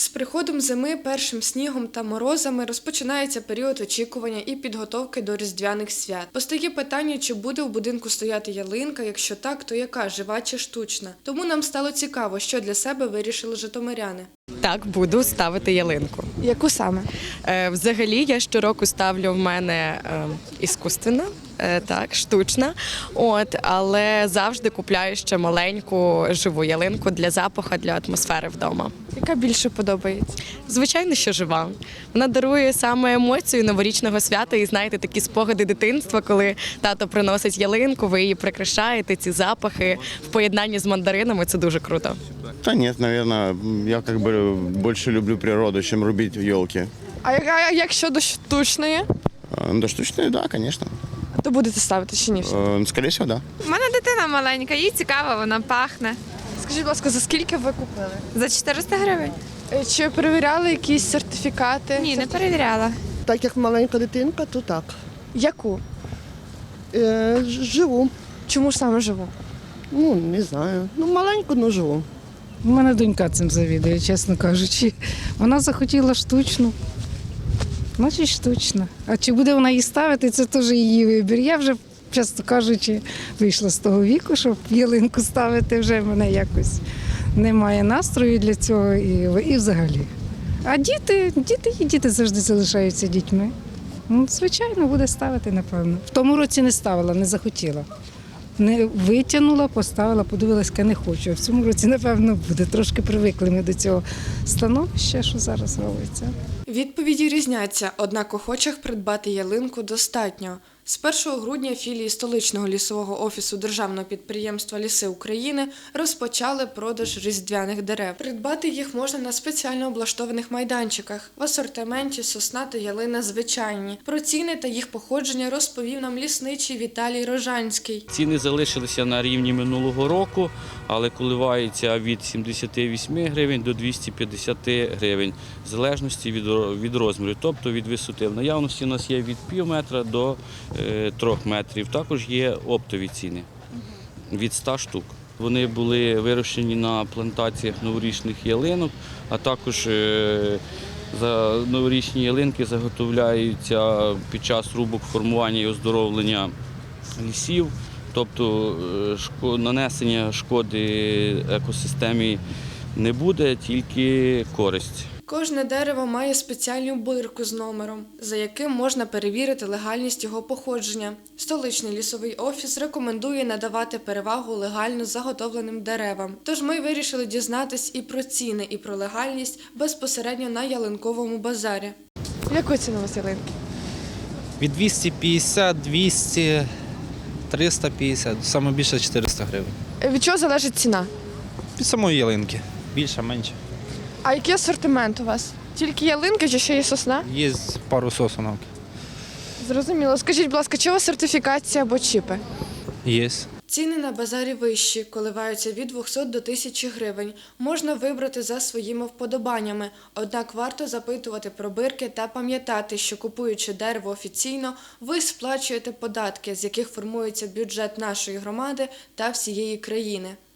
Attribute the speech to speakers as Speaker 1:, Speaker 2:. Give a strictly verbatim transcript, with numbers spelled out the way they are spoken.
Speaker 1: З приходом зими, першим снігом та морозами розпочинається період очікування і підготовки до різдвяних свят. Постає питання, чи буде у будинку стояти ялинка, якщо так, то яка – жива чи штучна. Тому нам стало цікаво, що для себе вирішили житомиряни.
Speaker 2: Так, буду ставити ялинку.
Speaker 1: Яку саме?
Speaker 2: Е, взагалі, я щороку ставлю в мене е, іскусственна, е, так, штучна, от, але завжди купляю ще маленьку живу ялинку для запаху, для атмосфери вдома.
Speaker 1: Яка більше подобається?
Speaker 2: Звичайно, що жива. Вона дарує саме емоцію новорічного свята і, знаєте, такі спогади дитинства, коли тато приносить ялинку, ви її прикрашаєте, ці запахи в поєднанні з мандаринами – це дуже круто.
Speaker 3: Да нет, наверное, я как бы больше люблю природу, чем рубить елки.
Speaker 1: А як щодо штучної?
Speaker 3: Да, штучные, да, конечно.
Speaker 1: То будете ставити чи ні?
Speaker 3: Э, Скорее всего, да.
Speaker 4: У мене дитина маленька, їй цікаво, вона пахне.
Speaker 1: Скажіть, будь ласка, за скільки ви купили?
Speaker 4: За чотириста гривень?
Speaker 1: Чи перевіряли якісь сертифікати?
Speaker 4: Ні, не перевіряла.
Speaker 5: Так як маленька дитинка, то так.
Speaker 1: Яку?
Speaker 5: Е, ж- живу.
Speaker 1: Чому ж саме живу?
Speaker 5: Ну, не знаю. Ну, маленьку, ну живу.
Speaker 6: У мене донька цим завідує, чесно кажучи. Вона захотіла штучну, значить штучна. А чи буде вона її ставити, це теж її вибір. Я вже, чесно кажучи, вийшла з того віку, щоб ялинку ставити, вже в мене якось немає настрою для цього і, і взагалі. А діти, діти і діти завжди залишаються дітьми. Ну, звичайно, буде ставити, напевно. В тому році не ставила, не захотіла. Не витягнула, поставила, подивилася, не хочу. А в цьому році, напевно, буде. Трошки привикли ми до цього становища, що зараз робиться.
Speaker 1: Відповіді різняться, однак охочих придбати ялинку достатньо. З першого грудня філії столичного лісового офісу Державного підприємства «Ліси України» розпочали продаж різдвяних дерев. Придбати їх можна на спеціально облаштованих майданчиках. В асортименті сосна та ялина звичайні. Про ціни та їх походження розповів нам лісничий Віталій Рожанський.
Speaker 7: Ціни залишилися на рівні минулого року, але коливаються від сімдесяти восьми гривень до двохсот п'ятдесяти гривень, в залежності від, від розміру, тобто від висоти. В наявності у нас є від пів метра до е, трьох метрів. Також є оптові ціни від ста штук. Вони були вирощені на плантаціях новорічних ялинок, а також е, за новорічні ялинки заготовляються під час рубок формування і оздоровлення лісів. Тобто нанесення шкоди екосистемі не буде, тільки користь.
Speaker 1: Кожне дерево має спеціальну бирку з номером, за яким можна перевірити легальність його походження. Столичний лісовий офіс рекомендує надавати перевагу легально заготовленим деревам. Тож ми вирішили дізнатись і про ціни, і про легальність безпосередньо на ялинковому базарі. Яку ціну у вас ялинки?
Speaker 8: Від двісті п'ятдесят, двісті, триста п'ятдесят, саме більше чотириста гривень.
Speaker 1: Від чого залежить ціна?
Speaker 8: Від самої ялинки. Більше, менше.
Speaker 1: А який асортимент у вас? Тільки ялинки чи ще є сосна?
Speaker 8: Є пару сосунок.
Speaker 1: Зрозуміло. Скажіть, будь ласка, чи у вас сертифікація або чіпи?
Speaker 8: Є.
Speaker 1: Ціни на базарі вищі, коливаються від двохсот до тисячі гривень. Можна вибрати за своїми вподобаннями. Однак варто запитувати про бирки та пам'ятати, що купуючи дерево офіційно, ви сплачуєте податки, з яких формується бюджет нашої громади та всієї країни.